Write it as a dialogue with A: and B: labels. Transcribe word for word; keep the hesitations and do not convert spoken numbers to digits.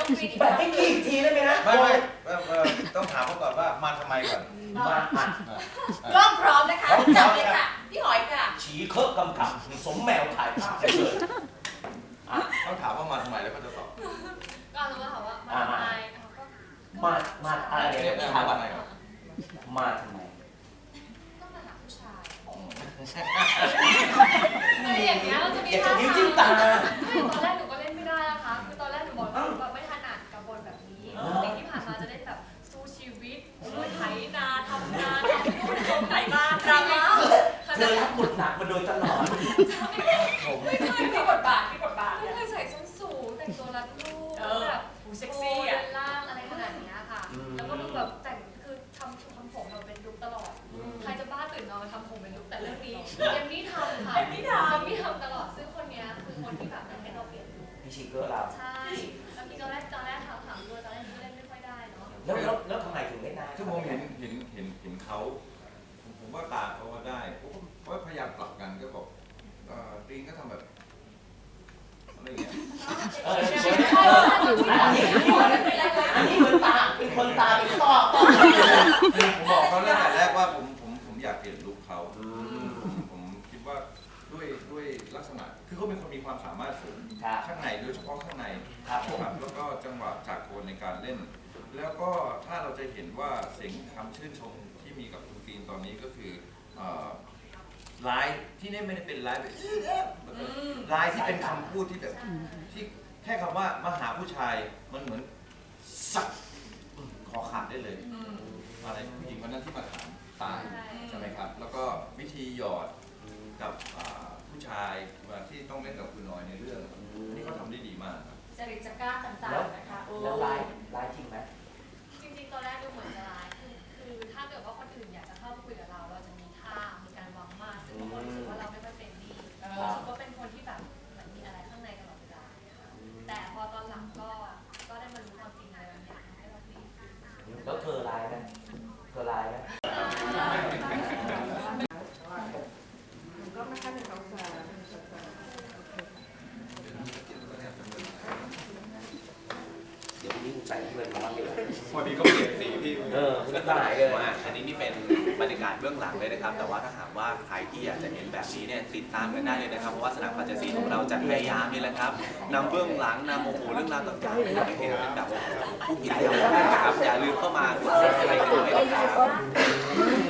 A: แบบให้กี่ทีได้ไหมฮะ
B: ไม่ไม่ต้องถามเขาก่อนว่ามาทำไมก่อน
A: มาอ่ะ
C: กล้องพร้อมนะคะจับเลยค่ะพี่หอยค่ะ
A: ฉีเคอะกำกับสมแมวถ่ายภาพไปเลย
B: ต้องถามว่ามาทำไมแล้วก็จะตอบ
D: ก็เราก็ถามว่ามาทำไมเขาก็
A: มามาอะไรเนี่ยถามว่ามาทำไม
D: ก็มาหาผู้ชายอะไรอย่างเงี้ยเราจะมี
A: อยากจะ
D: ท่า
A: ยิ้มจิ้มตา
D: ไม่ตอนแรกหนูก็เล่นไม่ได้นะคะคือตอนแรกหนูบอกว่าแบบไม่ถนัดกับบทแบบนี้สิ่งที่ผ่านมาจะเล่นแบบสู้ชีวิตไถนาทำนาทำนู่นทำไถบ้านดราม่า
A: เธอรับบทหนักมาโดยตลอด
D: ไม่เคยมีบทบาทมีบทบาทไม่เคยใส่ส้นสูงแต่งตัวรัดรูปแบบเซ็กซี่อะล่างอะไรขนาดนี้ค่ะแล้วก็ดูแบบแต่งคือทำทำผมแบบเป็นลุคตลอดใครจะบ้าตื่นนอนมาทำผมเป็นลุคแต่เรื่องนี้ยังไม่ทำค่ะยังไม่ทำยังไม่ทำตลอดซึ่งคนนี้คือคนที่แบบให้เราเปลี่ยนลุค
A: พี่ชิเกอร์เรา
D: ใช่แล้วพี่ตอนแรกตอนแรกถามถามด้วยตอนแรกเล่นไม่ค่อยได้เนาะ
A: แล้วแล้วแล้วทำไมถึงเล่นได้
B: คือผมเห็นเห็นเห็นเห็นเขาผมผมว่าตาเขาว่าได้ผมก็พยายามปรับกันก็บอกตีนก็ทำแบบอะไรอย่างเงี้ย
A: เอออันนี้อันนี้เหมือนตาเป็นคนตาเป็นต้อต้อ
B: ผมบอกเขาตั้งแต่แรกว่าผมผมผมอยากเปลี่ยนลุคเขาผมคิดว่าด้วยด้วยลักษณะคือเขาเป็นคนมีความสามารถสูงข้างในโดยเฉพาะข้างในครับแล้วก็จังหวะจากโคนในการเล่น แล้วก็ถ้าเราจะเห็นว่าเสียงคำชื่นชมที่มีกับคุณตีนตอนนี้ก็คือไลน์ที่นี่ไม่ได้เป็นไลน์แบบไลน์ที่เป็นคำพูดที่แบบที่แค่คำว่ามาหาผู้ชายมันเหมือนสักคอขาดได้เลยอะไรผู้หญิงคนนั้นที่มาถามตายใช่ไหมครับแล้วก็วิธีหยอดกับผู้ชายที่ต้องเล่นกับคุณน้อยในเรื่องนี่เขาทำได้ดีมาก
C: จริตจักร้าต่างๆนะคะ
A: แล้วไลฟ์ไลฟ์จริงไหม
D: จริงๆตอนแรกดูเหมือนจะร้ายคือคือถ้าเกิดว่าคนอื่นอยากจะเข้ามาคุยกับเราเราจะมีท่ามีการวางมาซึ่งบางคนรู้สึกว่าเราไม่ค่อยเป็นดีรู้สึกว่าเป็นคนที่แบบเหมือนมีอะไรข้างในตลอดเวลาแต่พอตอนหลังก็ก็ได้มารู้ความจริงอะไรบางอย่างให้เราดี
A: แล้วเธอไลฟ์ไหมเธอไลฟ์ไหม
E: ก็ไม่ค่อยเป็นเขาสาร
A: เดี๋ยวนี้ใส่เงินมาบ้างดีกว่า
F: พอดีก็เปลี่ยนสีพี่
A: เออคุณหายเลย
F: ว่าอันนี้นี่เป็นบรรยากาศเบื้องหลังเลยนะครับแต่ว่าถ้าหากว่าใครที่อยากจะเห็นแบบนี้เนี่ยติดตามกันได้เลยนะครับเพราะว่าสนามปัจจัยของเราจะพยายามนี่แหละครับนำเบื้องหลังนำโอ้โหเรื่องราวต่างๆให้เราได้เห็นเป็นแบบผู้หญิงอย่างนะครับอย่าลืมเข้ามากดซับสไครต์กันด้วยนะครับ